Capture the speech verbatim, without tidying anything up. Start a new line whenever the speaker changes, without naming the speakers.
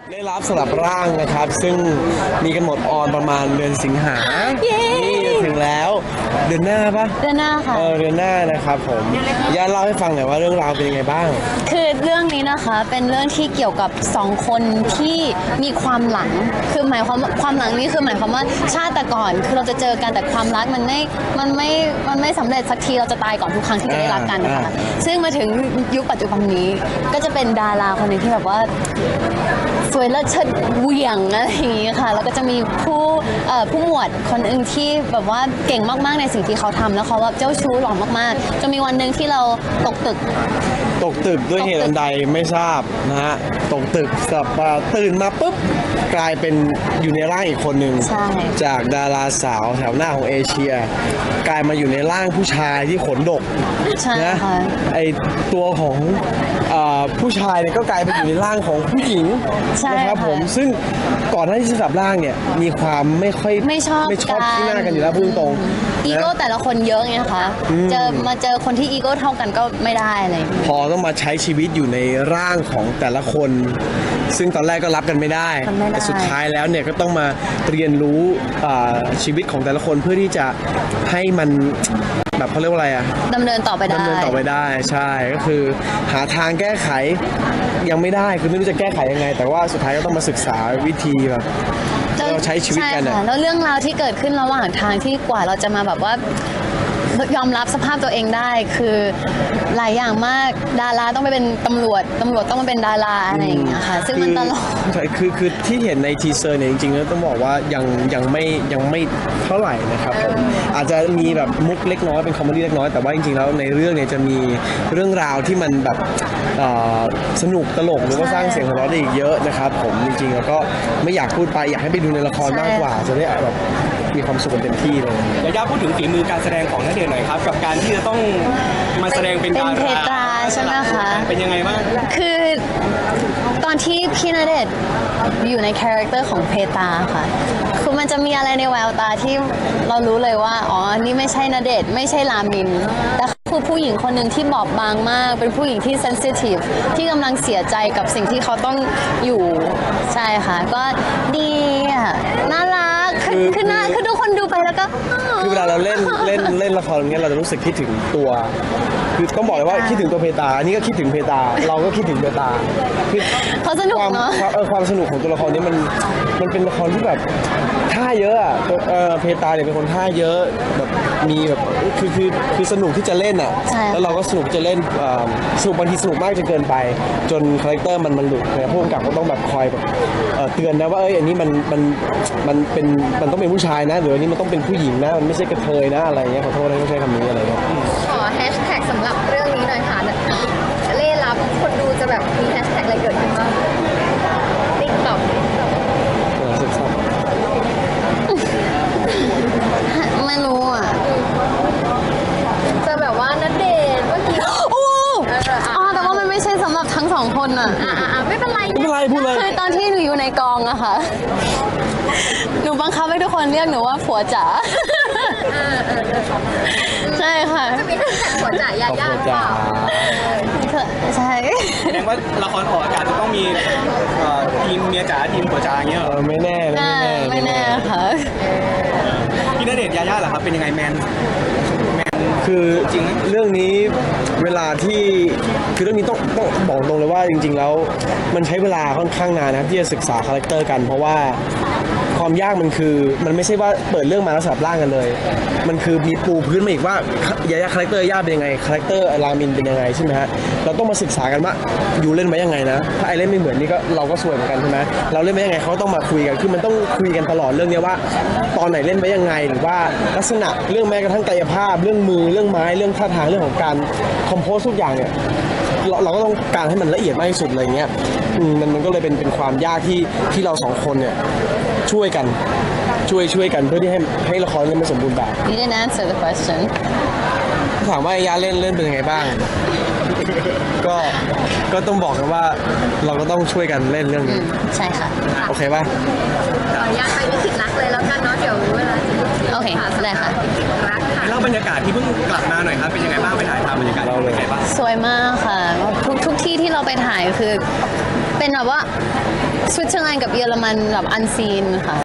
ได้รับสลับร่างนะครับซึ่งมีกำหนดออนประมาณเดือนสิงหานี่ถึงแล้วเดือนหน้าปะ
เดือนหน้าค่ะ
เออเดือนหน้านะครับผมย่าเล่าให้ฟังหน่อยว่าเรื่องราวเป็นยังไงบ้าง
คือเรื่องนี้นะคะเป็นเรื่องที่เกี่ยวกับสองคนที่มีความหลังคือหมายความความหลังนี้คือหมายความว่าชาติแต่ก่อนคือเราจะเจอกันแต่ความรักมันไม่มันไม่มันไม่สำเร็จสักทีเราจะตายก่อนทุกครั้งที่จะได้รักกันนะคะซึ่งมาถึงยุคปัจจุบันนี้ก็จะเป็นดาราคนหนึ่งที่แบบว่าสวยและเชิดเหวี่ยงอะไรอย่างนี้ค่ะแล้วก็จะมีผู้ผู้หมวดคนหนึ่งที่แบบว่าเก่งมากๆในสิ่งที่เขาทำแล้วเขาแบบเจ้าชู้หล่อมากๆจะมีวันหนึ่งที่เราตกตึก
ตกตึกด้วยเหตุอันใดไม่ทราบนะฮะตกตึกกลับมาตื่นมาปุ๊บกลายเป็นอยู่ในร่างอีกคนหนึ่งจากดาราสาวแถวหน้าของเอเชียกลายมาอยู่ในร่างผู้ชายที่ขนดกนะไอตัวของผู้ชายเนี่ยก็กลายไปอยู่ในร่างของผู้หญิงนะครับผมซึ่งก่อนหน้าที่จะสับร่างเนี่ยมีความไม่ค่อย
ไม่ชอบ
ไม่ชอบที่หน้ากันอยู่แล้วพูดตรง
อีโก้แต่ละคนเยอะไงคะเจอมาเจอคนที่อีโก้เท่ากันก็ไม่ได้เลย
พอต้องมาใช้ชีวิตอยู่ในร่างของแต่ละคนซึ่งตอนแรกก็รับกันไม่ได้แต่สุดท้ายแล้วเนี่ยก็ต้องมาเรียนรู้ชีวิตของแต่ละคนเพื่อที่จะให้มันแบบเขาเรียกว่าอะไรอะ
ดำเนินต่อไปได้
ดำเนินต่อไปได้ใช่ก็คือหาทางแก้ไขยังไม่ได้คือไม่รู้จะแก้ไขยังไงแต่ว่าสุดท้ายก็ต้องมาศึกษาวิธีแบบเราใช้ชีวิตกันอะ
แล้วเรื่องราวที่เกิดขึ้นระหว่างทางที่กว่าเราจะมาแบบว่ายอมรับสภาพตัวเองได้คือหลายอย่างมากดาราต้องไปเป็นตำรวจตำรวจต้องมาเป็นดาราอะไรอย่างเงี้ยค่ะซึ่งมันตลก
ใช่คือคือที่เห็นในทีเซอร์เนี่ยจริงๆแล้วต้องบอกว่ายังยังไม่ยังไม่เท่าไหร่นะครับผมอาจจะมีแบบมุกเล็กน้อยเป็นคอมเมดี้เล็กน้อยแต่ว่าจริงๆแล้วในเรื่องเนี่ยจะมีเรื่องราวที่มันแบบสนุกตลกหรือว่าสร้างเสียงหัวเราะได้อีกเยอะนะครับผมจริงๆแล้วก็ไม่อยากพูดไปอยากให้ไปดูในละครมากกว่าจะได้แบบมีความสุขเต็มที่เลย
อยากจะพูดถึงฝีมือการแสดงของณเดชน์หน่อยครับกับการที่จะต้องมาแสดงเป็นดารา
เป็นเพตราใช่ไหมคะ
เป็นยังไงบ้าง
คือตอนที่พี่ณเดชน์อยู่ในคาแรคเตอร์ของเพตราค่ะคือมันจะมีอะไรในแววตาที่เรารู้เลยว่าอ๋อนี่ไม่ใช่ณเดชน์ไม่ใช่รามินแต่คือผู้หญิงคนหนึ่งที่บอบบางมากเป็นผู้หญิงที่เซนซิทีฟที่กำลังเสียใจกับสิ่งที่เขาต้องอยู่ใช่ค่ะก็ดีอ่ะน่ารักคือคือน่าคือทุกคนดูไปแล้วก็
คือเวลาเราเล่นเล่นเล่นละครอย่างเงี้ยเราจะรู้สึกคิดถึงตัวคือต้องบอกเลยว่าคิดถึงตัวเพตราอันนี้ก็คิดถึงเพตราเราก็คิดถึงเพตรา
คือเขาสนุกเนาะ
เออความสนุกของตัวละครนี้มันมันเป็นละครที่แบบท่าเยอะอ่ะเออเพตราเนี่ยเป็นคนท่าเยอะแบบมีแบบคือคือคือสนุกที่จะเล่นอ่ะแล้วเราก็สนุกจะเล่นสนุกบางทีสนุกมากจนเกินไปจนคาแรคเตอร์มันมันหลุดเนี่ยผู้กำกับก็ต้องแบบคอยแบบเตือนนะว่าเอ้ยอันนี้มันมันมันเป็นมันต้องเป็นผู้ชายนะหรืออันนี้มันต้องเป็นผู้หญิงนะมันไม่ใช่กระเทยนะอะไรเงี้ยขอโทษนะไม่ใช่คำนี้อะไรเงี้ย
ขอแฮชแท็กสำหรับเรื่องนี้หน่อยค่ะเล่รับคนดูจะแบบมีแฮชแท็กอะไรเกิดขึ้นบ้างติ๊กต็อก
ไม่รู้อ่ะ
จะแบบว่าณเดชน์เมื่อกี้
อ๋อแต่ว่ามันไม่ใช่สำหรับทั้งสองคนอ่ะ
อ่าไม่เป็นไร
ไม่เป็นไรพูดเลย
คือตอนที่หนูอยู่ในกองอะค่ะหนูบังคับให้ทุกคนเรียกหนูว่าผัวจ๋าใช่ค่ะ
จะมีทั้งแต่ผัวจ๋ายาย่าเปล่า
ใช่
แสดงว่าละครออกอากาศจะต้องมีทีมเมียจ๋าทีมผัวจ๋าอย่างเงี้ย
ไม่แน่
ไม่แน่ไม่แน่ค่ะ
พี่ณเดชน์ยาย่าเหรอครับเป็นยังไงแมน
คือจริงเรื่องนี้เวลาที่คือเรื่องนี้ต้องต้องบอกตรงเลยว่าจริงๆแล้วมันใช้เวลาค่อนข้างนานนะที่จะศึกษาคาแรคเตอร์กันเพราะว่าความยากมันคือมันไม่ใช่ว่าเปิดเรื่องมาแล้วสลับร่างกันเลยมันคือมีปูพื้นมาอีกว่ายาย่าคาแรคเตอร์ย่าเป็นยังไงคาแรคเตอร์รามินเป็นยังไงใช่ไหมฮะเราต้องมาศึกษากันว่าอยู่เล่นไว้ยังไงนะถ้าไอเล่นไม่เหมือนนี่ก็เราก็สวยเหมือนกันใช่ไหมเราเล่นไว้ยังไงเขาต้องมาคุยกันคือมันต้องคุยกันตลอดเรื่องนี้ว่าตอนไหนเล่นไว้ยังไงหรือว่าลักษณะเรื่องแม้กระทั่งกายภาพเรื่องมือเรื่องไม้เรื่องท่าทางเรื่องของการคอมโพสทุกอย่างเนี่ยเราเราก็ต้องการให้มันละเอียดมากที่สุดอะไรเงี้ยมันมันก็เลยเป็นเป็นความยากที่ที่เราสองคนเนี่ยช่วยกันช่วยช่วยกันเพื่อที่ให้ให้ละครนี้มันสมบูรณ์แบบ
You didn't answer the question
ถามว่ายาเล่นเล่นเป็นยังไงบ้างก็ก็ต้องบอกกันว่าเราก็ต้องช่วยกันเล่นเรื่องนี้
ใช่ค่ะ
โอเคป่ะ
ขออนุญาตไปวิกฤตรักเลยแล้วกันเนาะเดี๋ยวเวลา
โอเคได้ค่ะ
เล่าบรรยากาศที่เพิ่งกลับมาหน่อยครับเป็นยังไงบ้างไปถ่ายทำบรรยากาศเป็นยังไงบ้าง
สวยมากค่ะทุกทุกที่ที่เราไปถ่ายคือเป็นแบบว่าสวิตเซอร์แลนด์กับเยอรมันแบบอันซีนค่ะ